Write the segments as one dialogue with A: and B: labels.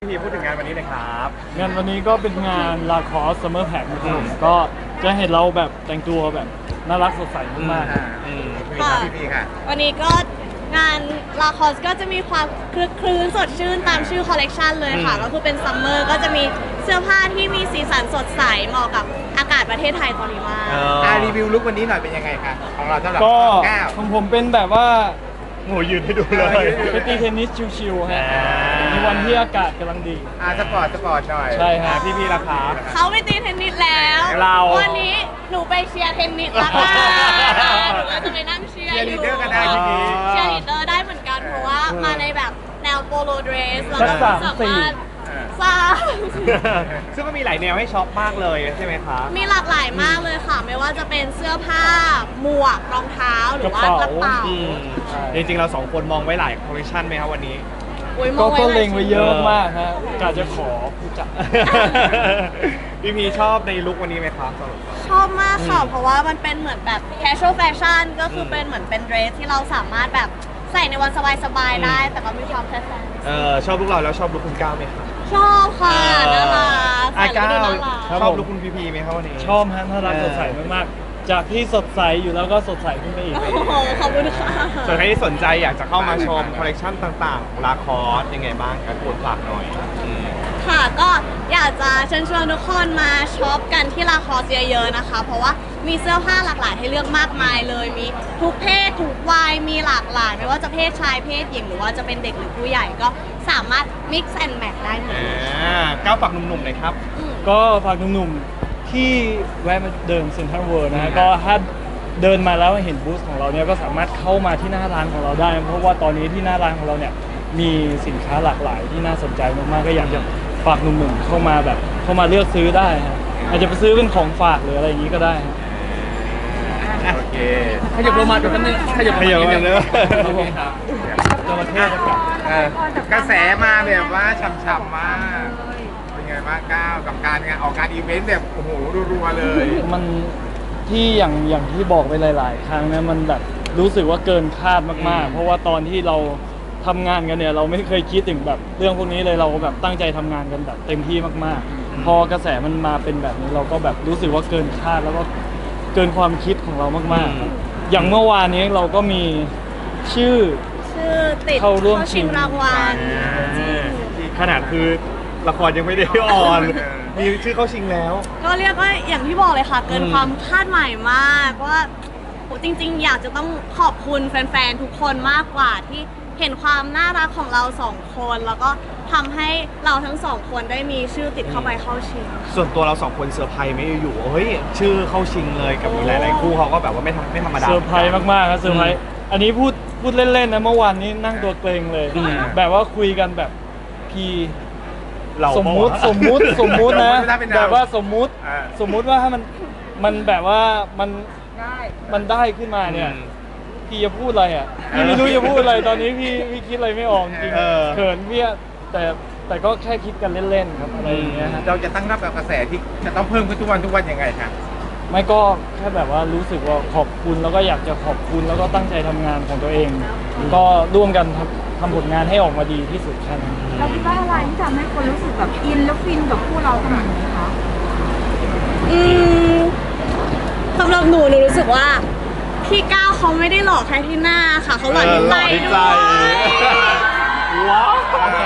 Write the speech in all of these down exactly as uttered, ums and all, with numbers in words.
A: พี่พูดถึงงานวันนี้เลยครับ
B: งานวันนี้ก็เป็นงานลาคอสซัมเมอร์แพ็คนะครับผมก็จะเห็นเราแบบแต่งตัวแบบน่ารักสดใสมาก
A: อ่าอืมพี่ครับพี่พี่ค่ะ
C: วันนี้ก็งานลาคอสก็จะมีความคลึกคลื้นสดชื่นตามชื่อคอลเลกชันเลยค่ะ ก็คือเป็นซัมเมอร์ก็จะมีเสื้อผ้าที่มีสีสันสดใสเหมาะกับอากาศประเทศไทยตอนนี้มาก
A: อ่ารีวิวลุควันนี้หน่อยเป็นยังไงคะของเราสำหรับ
B: ๆก็
A: ก้าว
B: ของผมเป็นแบบว่า
A: โง่ยืนให้ดูเลย
B: ไปตีเทนนิสชิวๆฮะ
A: อ่า
B: ในวันที่อากาศกำลังดี
A: อ่าสปอร์ตสปอร์ตหน่อย
B: ใช่ฮะ
A: พี่พี่ราคา
C: เขาไปตีเทนนิสแล้ว
A: เรา
C: วันนี้หนูไปเชียร์เทนนิสละค่ะหนูก็จะไปนั่งเชียร์
A: เชียร์
C: อ
A: ลี
C: ยู่
A: ดเดอร์ก็ได้ทีนี้
C: เชียร์ลีดเดอร์ได้เหมือนกันเพราะว่ามาในแบบแนวโปโลเดรสแล้ว
B: สั
C: ก็
B: กสาม
C: สา
B: สี่
C: มารถสร้าง
A: ซึ่งก็มีหลายแนวให้ช็อปมากเลยใช่ไหมคะ
C: มีหลากหลายมากเลยค่ะ ไม่ว่าจะเป็นเสื้อผ้า หมวก รองเท้า หรือว่ากระเป๋า
A: อืมจริงๆเราสองคนมองไว้หลายคอลเลคชันไหมครับวันนี้
C: อุ๊ยม
B: ก็
C: อง
B: ก็
C: หา
B: เล็งไว้เยอะ
C: ชิ้น
B: มากฮะกะจะขอผู้จัด
A: พี่พีชอบในลุควันนี้ไหมครับสำหรับเรา
C: ชอบมากค่ะ เพราะว่ามันเป็นเหมือนแบบ casual fashion ก็คือเป็นเหมือนเป็นเดรสที่เราสามารถแบบใส่ในวันสบายๆได้ แต่ก็มีความแฟชั่น
A: เออชอบลุคเราแล้วชอบลุคคุณก้าวไหมครับ
C: ชอบค่ะน่ารัก
A: อา
C: ใส่แล้ว
A: ก้า
C: ดู
A: ว
C: น่ารัก
B: ครับ
A: ชอบ
B: ผม
A: ลุคคุณพีพีไหมครับวันนี้
B: ชอบฮะน่ารัก
A: เออ
B: สดใสมากๆ จากที่สดใสอยู่แล้วก็สดใสขึ้นไปอีก
C: โอ้โหขอบคุณค่ะ
A: ส่วนใครที่สนใจอยากจะเข้ามาชมคอลเลคชันต่างๆของลาคอสยังไงบ้างครับควรฝากหน่อยอืม
C: ค่ะก็อยากจะเชิญชวนทุกคนมาช็อปกันที่ลาคอสเยอะๆนะคะ เพราะว่ามีเสื้อผ้าหลากหลายให้เลือกมากมายเลย มีทุกเพศทุกวัยมีหลากหลาย ไม่ว่าจะเพศชายเพศหญิงหรือว่าจะเป็นเด็กหรือผู้ใหญ่ก็สามารถ mix and match ได้หมด
A: อ่าก้าวฝากหนุ่มๆหน่อยครับ
C: อืม
B: ก็ฝากหนุ่มๆที่แวะมาเดินเซ็นทรัลเวิลด์นะฮะก็ถ้าเดินมาแล้วเห็นบูธของเราเนี่ยก็สามารถเข้ามาที่หน้าร้านของเราได้ เพราะว่าตอนนี้ที่หน้าร้านของเราเนี่ยมีสินค้าหลากหลายที่น่าสนใจมากๆก็อยากจะฝากหนุ่มๆเข้ามาแบบเข้ามาเลือกซื้อได้ฮะอาจจะไปซื้อเป็นของฝากหรืออะไรอย่างนี้ก็ได้ฮะ
A: โอเค
D: ขยับลงมาดูกันนึงขยับลง
A: ขยับ
D: มา
A: มา
D: นิดนึง
A: เลย
B: ครับผมจระเข้จะกลับ
A: เออกระแสมาแบบว่าช่ำๆมาก เป็นไงบ้างก้าวกับการงานออกงานอีเวนต์แบบโอ้โหรัวๆเลย
B: มันที่อย่างอย่างที่บอกไปหลาย ๆ ครั้งนะมันแบบรู้สึกว่าเกินคาดมาก ๆ เพราะว่าตอนที่เราทำงานกันเนี่ยเราไม่เคยคิดถึงแบบเรื่องพวกนี้เลยเราแบบตั้งใจทำงานกันแบบเต็มที่มาก ๆ พอกระแสมันมาเป็นแบบนี้เราก็แบบรู้สึกว่าเกินคาดแล้วก็เกินความคิดของเรามากๆครับอย่างเมื่อวานนี้เราก็มีชื่อ
C: ชื่อติด
B: เข้าร่วมชิ
C: ชิ
B: ง
C: งรางวัล
A: ขนาดคือละครยังไม่ได้ออน มีชื่อเข้าชิงแล้ว
C: ก็เรียกว่าอย่างที่บอกเลยค่ะ เกิน
A: อืม
C: ความคาดหมายมากว่าโหจริง ๆ อยากจะต้องขอบคุณแฟน ๆ ทุกคนมากกว่าที่เห็นความน่ารักของเราสองคน แล้วก็ทำให้เราทั้งสองคนได้มีชื่อติดเข้าไปเข้าชิง
A: ส่วนตัวเราสองคนเซอร์ไพรส์ไม่อยู่ๆเฮ้ยชื่อเข้าชิงเลยกับมีหลายๆคู่เขาก็แบบว่าไม่ทำไม่ธรรมดา
B: เซอร์ไพรส์มากๆครับเซอร์ไพรส์อันนี้พูดพูดเล่น ๆ นะเมื่อวานนี้นั่งตัวเกรงเลย
A: อืม
B: แบบว่าคุยกันแบบพี
A: เรา
B: สมมุติสมมุติสมมุตินะ
A: สมมุติถ้าเป็นเรา
B: แบบว่าสมมุติ
A: อ่า
B: สมมุติว่าถ้ามันมันแบบว่ามันมันได้ขึ้นมาเนี่ย
A: อืม
B: พี่จะพูดอะไรอ่ะพี่ไม่รู้จะพูดอะไรตอนนี้พี่พี่คิดอะไรไม่ออกจริง
A: เออ
B: เขินพี่อะแต่แต่ก็แค่คิดกันเล่นๆครับอะไรอย่างเงี้ยฮะ
A: เราจะตั้งรับกับกระแสที่จะต้องเพิ่มขึ้นทุกวันทุกวันยังไงครับ
B: ไม่ก็แค่แบบว่ารู้สึกว่าขอบคุณแล้วก็อยากจะขอบคุณแล้วก็ตั้งใจทำงานของตัวเอง ก็ร่วมกันทำทำผลงานให้ออกมาดีที่สุดแค่นั้น
E: เราคิดว่าอะไรที่ทำให้คนรู้สึกแบบอินแล้วฟินกับคู่เราขนาดนี้คะ
C: อืมสำหรับหนูหนูรู้สึกว่าพี่ก้าวเขาไม่ได้หลอกแค่ที่หน้าค่ะ เขาหลอกที่ใจด้วย
A: ว้าว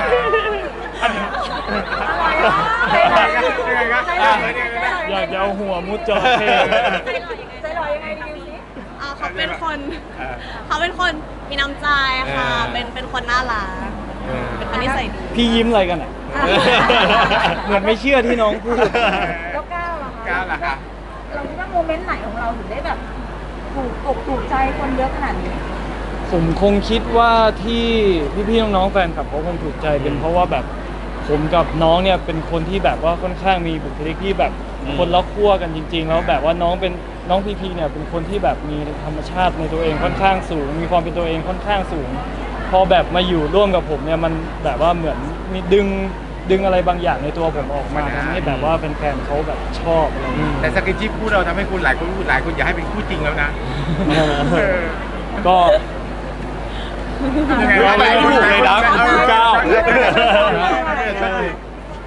B: อยากจะเอาหัวมุดจระเข้
E: ใจลอยยังไงดีสิ
C: อ่าเขาเป็นคน เขาเป็นคนมีน้ำใจค่ะ
A: เออ
C: เป็นเป็นคนน่ารักเป็นคนนิสัยดี
B: พี่ยิ้มอะไรกันอ่ะ เหมือนไม่เชื่อที่น้องพูด
E: แล้วก้าวล่ะคะ
A: ก้าวล่ะคะ
E: เราคิดว่าโมเมนต์ไหนของเราถึงได้แบบถูกอกถูกใจคนเยอะขนาดนี้
B: ผมคงคิดว่าที่พี่ๆน้องๆแฟนคลับเขาคงถูกใจเป็นเพราะว่าแบบผมกับน้องเนี่ยเป็นคนที่แบบว่าค่อนข้างมีบุคลิกที่แบบ
A: อืม
B: คนละขั้วกันจริง ๆ แล้วแบบว่าน้องเป็นน้องพีพีเนี่ยเป็นคนที่แบบมีธรรมชาติในตัวเองค่อนข้างสูง มีความเป็นตัวเองค่อนข้างสูง พอแบบมาอยู่ร่วมกับผมเนี่ยมันแบบว่าเหมือนมีดึงดึงอะไรบางอย่างในตัวผมออกมาทำให้แบบว่าแฟนๆเขาแบบชอบอะไรอย่างเงี้ย
A: แต่สกินชิปคู่เราทำให้คุณหลายคนพูดหลายคนอยากให้เป็นคู่จริงแล้วนะ
B: ก็
A: ยังไงวะ
B: ไม่ถูกเลยนะคุณก้าว
A: ใช่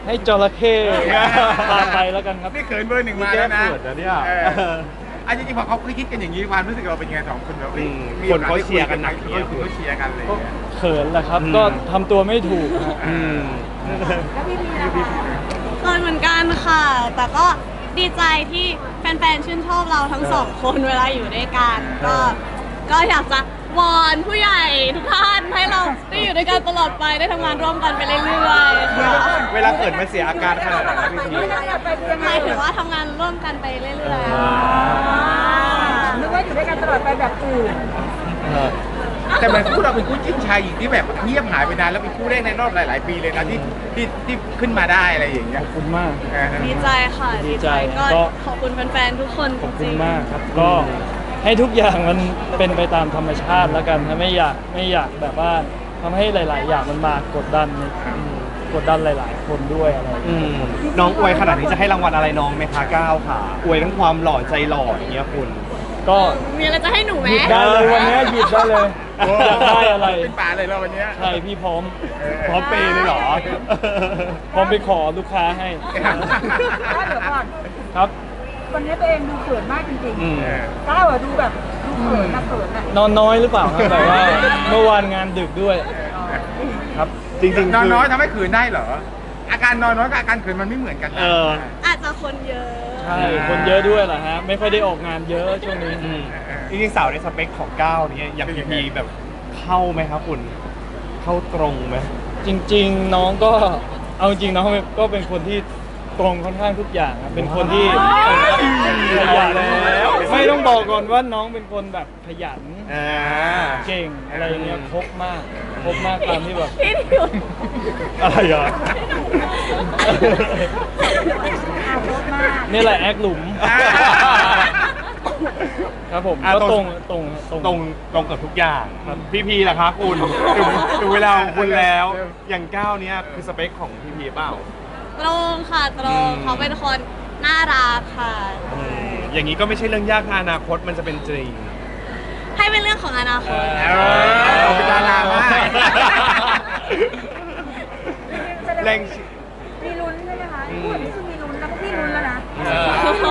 B: ให้จระเข้พาไปแล้วกันครับ
A: นี่เขินเบอร์หนึ่งมาแล้วนะ
F: นี่แก้เขินนะเนี่ย
A: อออันจริงๆพอเขาคิดกันอย่างนี้ความรู้สึกเราเป็นยังไงสองคนเรา
F: อืมคนเขาเชียร์กันหนัก
A: เยเขาเชียร์กันเลย
B: ก็เขินแหละครับ
F: อืม
B: ก็ทำตัวไม่ถูกฮะ
F: อืม
E: แล้วพี่พีนะคะ
C: เคยเหมือนกันค่ะ แต่ก็ดีใจที่แฟนๆ ชื่นชอบเราทั้งสองคนเวลาอยู่ด้วยกัน ก็ ก็อยากจะวอนผู้ใหญ่ทุกท่านให้เราได้อยู่ด้วยกันตลอดไปได้ทำงานร่วมกันไปเรื่อยๆค่ะ
F: เวลาเขินมันเสียอาการขนาดไหนครับพี่พี
E: ไม่ได้ไปยัง
C: ห
E: ไง
C: มายถึงว่าทำงานร่วมกันไปเรื่อย
E: อ่านึกว่าอยู่ด้วยกันตลอดไปแบบอื่น
A: แต่เหมือนคู่เราเป็นคู่จิ้นชายหญิงที่แบบเงียบหายไปนานแล้วเป็นคู่แรกในรอบหลาย ๆ ปีเลยนะที่ที่ที่ขึ้นมาได้อะไรอย่างเงี้ย
B: ขอบคุณมาก
A: เออ
C: ๆ ดีใจค่ะ
B: ดีใจ
C: ก็
B: ก็
C: ขอบคุณแฟนๆ ทุกคน
B: ขอบ
C: จ
B: คุ
C: ริ
B: ณ
C: ง
B: มากครับ ก็ให้ทุกอย่างมันเป็นไปตามธรรมชาติแล้วกันถ้าไม่อยากไม่อยากแบบว่าทำให้หลาย ๆ อย่างมันมากดดันกดดันหลาย ๆ คนด้วยอะไรอย่าง
F: อื
B: เงี้ย
F: มน้องอวยขนาดนี้จะให้รางวัลอะไรน้องไหมคะก้าวค่ะอวยทั้งความหล่อใจหล่ออย่างเงี้ยคุณ
B: ก็
C: มีอะไรจะให้หนูไหม
B: หยิบได้เลยวันนี้หยิบได้เลยอยากได้อะไร
A: เป็นป่าเลยเราวันเนี้ย
B: ใช่พี่พร้อม
F: พร้อมเปย์เลยเหรอ
B: พร้อมไปขอลูกค้าให้
E: ถ้าเดี๋ยวก่อน
B: ครับ
E: วันนี้ตัวเองดูเขินมากจริง
F: อืม
E: ๆก้าวอะดูแบบดูเขินนะเขินอะ
B: นอนน้อยหรือเปล่าครับแบบว่าเมื่อวานงานดึกด้วยครับ
F: จริงๆ
A: นอน
F: คื
A: น้อยทำให้ขืนได้เหรอ อาการนอนน้อยกับอาการขืนมันไม่เหมือนกันนะ
F: เออ
C: อาจจะคนเยอะ
B: ใช่คนเยอะด้วยเหรอฮะไม่ค่อยได้ออกงานเยอะช่วงนี้
F: อืมจริงๆสาวในสเปคของก้าวเนี่ยอย่างพีพีแบบเข้าไหมครับคุณ เข้าตรงไหม
B: จริง ๆ น้องก็เอาจริงน้องก็เป็นคนที่ตรงค่อนข้างทุกอย่างอะเป็นคนที่ขยัน
F: แล้ว
B: ไม่ต้องบอกก่อนว่าน้องเป็นคนแบบขยัน
F: อ่า
B: เก่งอะไรอย่างเงี้ยครบมากครบมากตามที่แบบ
C: พี่ทิว
F: อะไรอ่ะ
E: อ่ารถมาก
B: นี่แหละแอคหลุม
A: อ่า
B: ครับผม
F: อ่ะ
B: ก็
F: ต
B: ต
F: ร
B: รง งตรงตรง
F: ตรงตรงกับทุกอย่างพี่พีล่ะคะคุณถึงถึงเวลาของคุณแล้ว อย่างก้าวเนี่ยคือสเปคของพี่พีเปล่า
C: ตรงค่ะตรง
F: อืม
C: เขาเป็นคนน่ารักค่ะ
F: อืมอย่างนี้ก็ไม่ใช่เรื่องยากนะอนาคตมันจะเป็นจริง
C: ให้เป็นเรื่องของอนาคต
A: เออเราเป็นดารามาก
F: แรง
E: มีลุ้นใช่ไหมคะพูดนี่คือมีลุ้นแล้วก็พี่ลุ้นแล้วนะ
F: เออ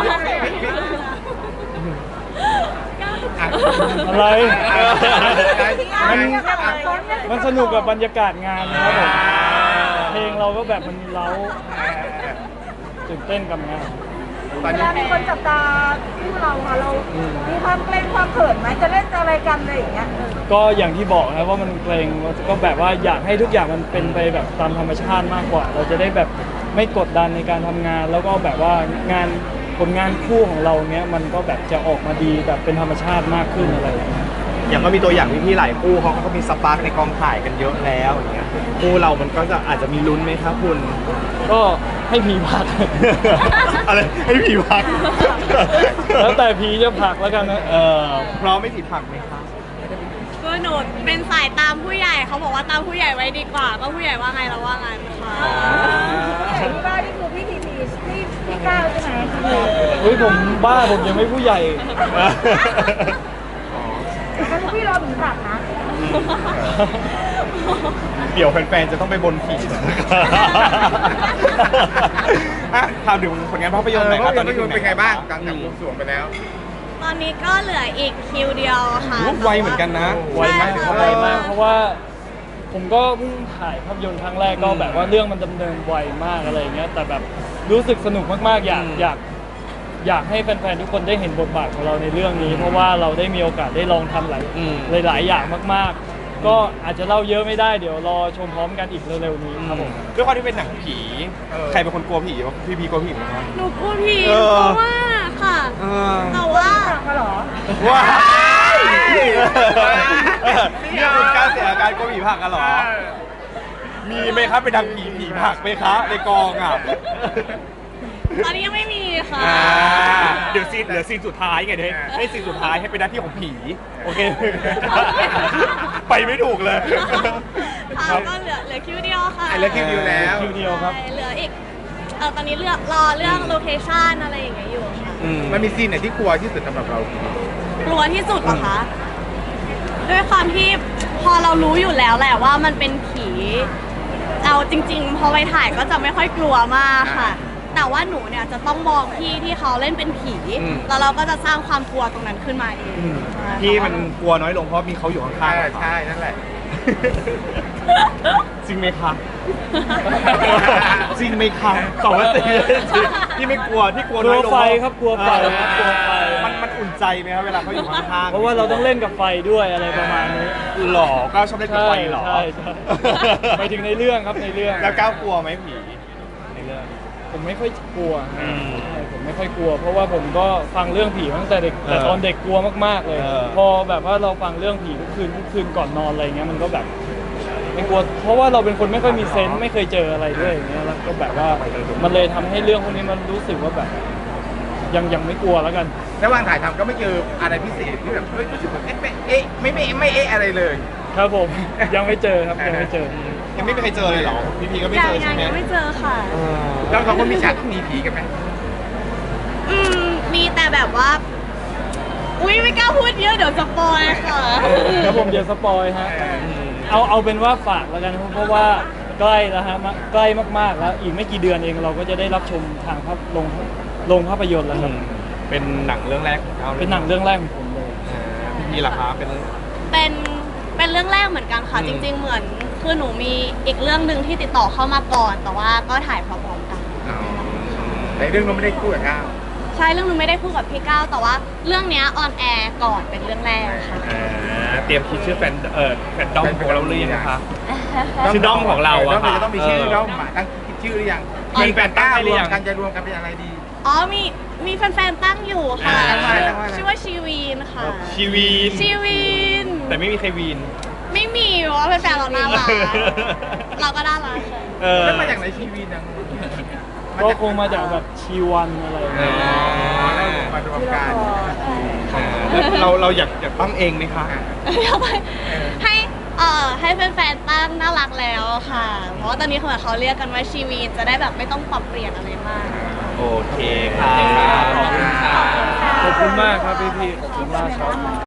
B: อะไร
A: มัน
B: มันสนุกกับบรรยากาศงานนะครับผมเพลงเราก็แบบมันเล้าตื่นเต้นกับงาน
A: ตอน
E: เว
A: นี้
E: ลามีคนจับตาคู่เราค่ะเรา มีความเกรงความเขินไหมจะเล่นอะไรกันอะไรอย่างเงี้ย
B: ก็อย่างที่บอกนะว่ามันเกรงก็แบบว่าอยากให้ทุกอย่างมันเป็นไปแบบตามธรรมชาติมากกว่า เราจะได้แบบไม่กดดันในการทำงาน แล้วก็แบบว่างานผลงานคู่ของเราเนี้ยมันก็แบบจะออกมาดีแบบเป็นธรรมชาติมากขึ้นอะไรอย่างเงี้ย
F: อย่างก็มีตัวอย่างพี่ๆหลายคู่เขาก็มีสปาร์กในกองถ่ายกันเยอะแล้วอย่างเงี้ยคู่เรามันก็จะอาจจะมีลุ้นไหมครับคุณ
B: ก็ให้พีพัก
F: อะไรให้ผีพัก
B: แล้วแต่พีจะผลักแล้วกันนะ
F: เออพร้อมไม่ผีผักไหมครับ
C: ก็หนูเป็นสายตามผู้ใหญ่เขาบอกว่าตามผู้ใหญ่ไว้ดีกว่า ก็ผู้ใหญ่ว่าไงเราว่างั้นค่ะ
E: ผู้ใหญ่ที่ว่านี่คือพี่ทีพีพี่พี่ก้าวใช่ไหม
B: เฮ้ยผมบ้าผมยังไม่ผู้ใหญ่
E: แล้วพี่รอถึงผักนะ
F: เดี๋ยวแฟนๆจะต้องไปบนผีอ่ะถามถึงผลงานภาพยนตร์หน่อยครับตอนนี้
A: เป็นไงบ้างกลาง
F: อื
A: จาก
F: ม
A: วงสรวงไปแล้ว
C: ตอนนี้ก็เหลืออีกคิวเดียวค่ะ
F: โอ้ไวเหมือนกันนะ
B: ไวมาก
C: ใช่ค่ะ
B: ไวมากเพราะว่าผมก็เพิ่งถ่ายภาพยนตร์ครั้งแรกก็แบบว่าเรื่องมันดำเนินไวมากอะไรอย่างเงี้ยแต่แบบรู้สึกสนุกมากๆอยาก
F: อืม
B: อยากอยากให้แฟนๆทุกคนได้เห็นบทบาทของเราในเรื่องนี้ เพราะว่าเราได้มีโอกาสได้ลองทำหลาย
F: อืม
B: หลายๆอย่างมากๆ ก็อาจจะเล่าเยอะไม่ได้เดี๋ยวรอชมพร้อมกันอีกเร็วๆนี้ครับผม
F: ด้วยความที่เป็นหนังผี
A: เออ
F: ใครเป็นคนกลัวผีวะพี่พีกลัวผีไหมครับ
C: หนูพูดผิด
F: เออ
C: เพราะว่าค่ะ
F: เออ
C: แต่ว่า
E: ผักมาเหรอ
F: ว้ายนี่คือการเสียอาการกลัวผีผักกันเหรอ มีไหมครับเป็นทางผีผีผักไหมคะในกองอ่ะ
C: ตอนนี้ยังไม่มีค่ะ
F: อ่าเดี๋ยวซีนเหลือซีนสุดท้ายไงเดี๋ยวให้ให้ซีนสุดท้ายให้เป็นหน้าที่ของผี โอเค ไปไม่ถูกเลย
C: ค่ะก็เหลือเหลือคิวเดียวค่ะ
A: อ่ะเหลือคิวเดียวแล้ว
B: คิวเดียวครับ
C: ใช่เหลืออีกเออตอนนี้เลือกรอเรื่องโลเคชั่นอะไรอย่างเงี้ยอยู่ค่ะ
A: มันมีซีนไหนที่กลัวที่สุดสำหรับเรา
C: กลัวที่สุดเหรอคะด้วยความที่พอเรารู้อยู่แล้วแหละว่ามันเป็นผี อเอาจริง ๆ พอไปถ่ายก็จะไม่ค่อยกลัวมากค่ะ แต่ว่าหนูเนี่ยจะต้องมองพี่ที่เขาเล่นเป็นผี แล้วเราก็จะสร้างความกลัวตรงนั้นขึ้นมาเอง
F: พี่มันกลัวน้อยลงเพราะมีเขาอยู่ข้าง
A: ใช่
F: ๆ
A: ใช่นั่นแหละ
F: จริงไหมคะจริงไหมคะตอบว่าจริงที่ไม่กลัวที่กลัว
B: ก
F: น้
B: ลั
F: อ
B: วย
F: ลง
B: ไฟครับกลัวไฟครับกลัวไฟ
F: มันมันอุ่นใจไหมครับเวลาเขาอยู่ข้างๆ
B: เพราะว่าเราต้องเล่นกับไฟด้วยอะไรประมาณนี้
F: หล่อก้าวชอบเล่นกับไฟเหรอ
B: ใช่ใช่ไปถึงในเรื่องครับในเรื่อง
F: แล้วก้าวกลัวไหมผีในเรื่อง
B: ผมไม่ค่อยกลัว
F: อืม
B: ใช่ผมไม่ค่อยกลัว เพราะว่าผมก็ฟังเรื่องผีมาตั้งแต่เด็กแต่
F: เออ
B: ตอนเด็กกลัวมากๆเลย
F: เออ
B: พอแบบว่าเราฟังเรื่องผีทุกคืนทุกคืนก่อนนอนอะไรเงี้ยมันก็แบบไม่กลัว เพราะว่าเราเป็นคนไม่ค่อยมีเซนส์ไม่เคยเจออะไรด้วยอย่างเงี้ยแล้วก็แบบว่ามันเลยทำให้เรื่องพวกนี้มันรู้สึกว่าแบบ ยังยังไม่กลัวแล้วกัน
A: ระหว่างถ่ายทำก็ไม่เจออะไรพิเศษที่แบบเฮ้ยรู้สึกว่าเอ๊ะไม่เอ๊ะไม่ไม่ไม่เอ๊ะอะไรเลย
B: ครับผม ยังไม่เจอครับยังไม่เจอ
F: ยังไม่มีใครเจอเลยเหรอพี่พีก็ไม่
C: ยั
F: เจ
C: ง
F: อ
C: ยั
F: ใช่
C: ง
F: ไหม
C: ยังไม่เจอค่ะ
A: เราสองคนมีฉากที่หนีผีกันไหม
C: อืมมีแต่แบบว่า อุ้ยไม่กล้าพูดเยอะเดี๋ยวสปอยค่ะ
B: ครับผมเดี๋ยวสปอยฮะ เอาเอาเป็นว่าฝากแล้วกันเพราะว่าใกล้แล้วฮะมาใกล้มากๆแล้วอีกไม่กี่เดือนเองเราก็จะได้รับชมทางภาพลงลงภาพยนตร์แล้วครับ
F: เป็นหนังเรื่องแรกของเขาลย
B: เป็นหนังเรื่องแรกของผมเลย
F: อ่าพี่พีล่ะคะเป็น
C: เป็นเป็นเรื่องแรกเหมือนกันค่ะ
F: อืม
C: จริง ๆ เหมือนคือหนูมีอีกเรื่องหนึ่งที่ติดต่อเข้ามาก่อน แต่ว่าก็ถ่ายพร้อมๆกัน
A: ในเรื่องเราไม่ได้คู่กับก้าว
C: ใช่เรื่องหนึงไม่ได้คู่กับพี่ก้าวแต่ว่าเรื่องเนี้ออนแอร์ก่อนเป็นเรื่องแรกค่ะ
F: อ่าเตรียมคิดชื่อแฟนเอ่อแฟนดอมของเราหรือยังนะคะ ชื่อด้อมของเราอะ
A: ด้อม
F: ค่ะ
A: จะต้องมีชื่อ
F: เออ
A: ด้อมมาตั้งคิดชื่อหรือยัง
C: อ๋อ
A: มีแฟนก้าว
F: ตั้งให้หรื
A: ร
F: อ
A: ว
F: ยั
A: ม
F: ง
A: กันจะรวมกันเป็นอะไรดี
C: อ๋อมีมีแฟนๆตั้งอยู่ค่ะ
F: อ่า
C: ชื่อชื่อว่าชีวีนค่ะ
F: ชีวีน
C: ชีวีน
F: แต่ไม่มีใครวีน
C: ไม่มีเพราะว่าแฟนๆเราน่ารักเราก็น่ารักค่ะ
F: เออ
A: แล้วมาจากไหนชีวีนัง
B: ก็คงมาจากแบบชีวันอะไรอย่าง
F: อ๋
B: เงี้ย
F: อ
A: แล้วมารวมกัน
F: อ่าแล้วเราเราอยากอยากตั้งเองไหมคะ
C: ให้เอ่อให้แฟนๆตั้งน่ารักแล้วค่ะ เพราะว่าตอนนี้เหมือนเขาเรียกกันว่าชีวีนจะได้แบบไม่ต้องปรับเปลี่ยนอะไรมาก
F: โอเคค่ะขอบคุณค่ะ
B: ขอบคุณมากครับพี่พี่ๆขอบคุณมากครับ